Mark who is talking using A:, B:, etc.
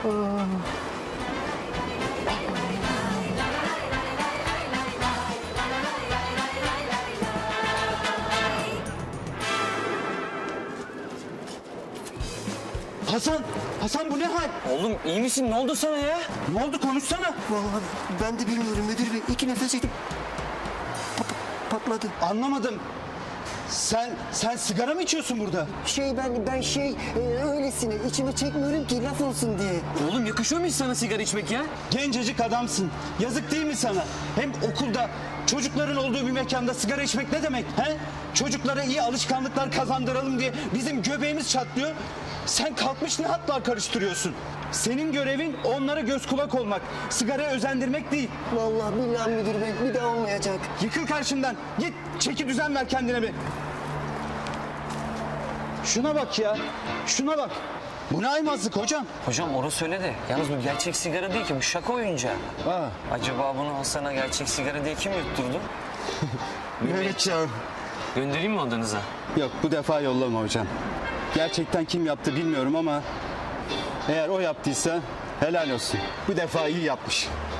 A: Hasan bu ne hal?
B: Oğlum iyi misin? Ne oldu sana ya?
A: Ne oldu konuşsana.
C: Vallahi ben de bilmiyorum müdür bey. 2 nefes çektim. Patladı.
A: Anlamadım. Sen sigara mı içiyorsun burada?
C: Öylesine içime çekmiyorum ki laf olsun diye.
B: Oğlum yakışıyor mu hiç sana sigara içmek ya?
A: Gencecik adamsın. Yazık değil mi sana? Hem okulda çocukların olduğu bir mekanda sigara içmek ne demek? He? Çocuklara iyi alışkanlıklar kazandıralım diye bizim göbeğimiz çatlıyor. Sen kalkmış ne hatlar karıştırıyorsun? Senin görevin onlara göz kulak olmak. Sigaraya özendirmek değil.
C: Vallahi billahi müdür bey bir daha olmayacak.
A: Yıkıl karşımdan. Git çeki düzen ver kendine bir. Şuna bak ya. Şuna bak. Bu ne aymazlık hocam?
B: Hocam orası öyle de. Yalnız bu gerçek sigara değil ki. Bu şaka oyuncağı. Acaba bunu Hasan'a gerçek sigara diye kim yutturdu?
A: Mehmetcan.
B: Göndereyim mi odanıza?
A: Yok bu defa yollama hocam. Gerçekten kim yaptı bilmiyorum ama eğer o yaptıysa helal olsun. Bu defa iyi yapmış.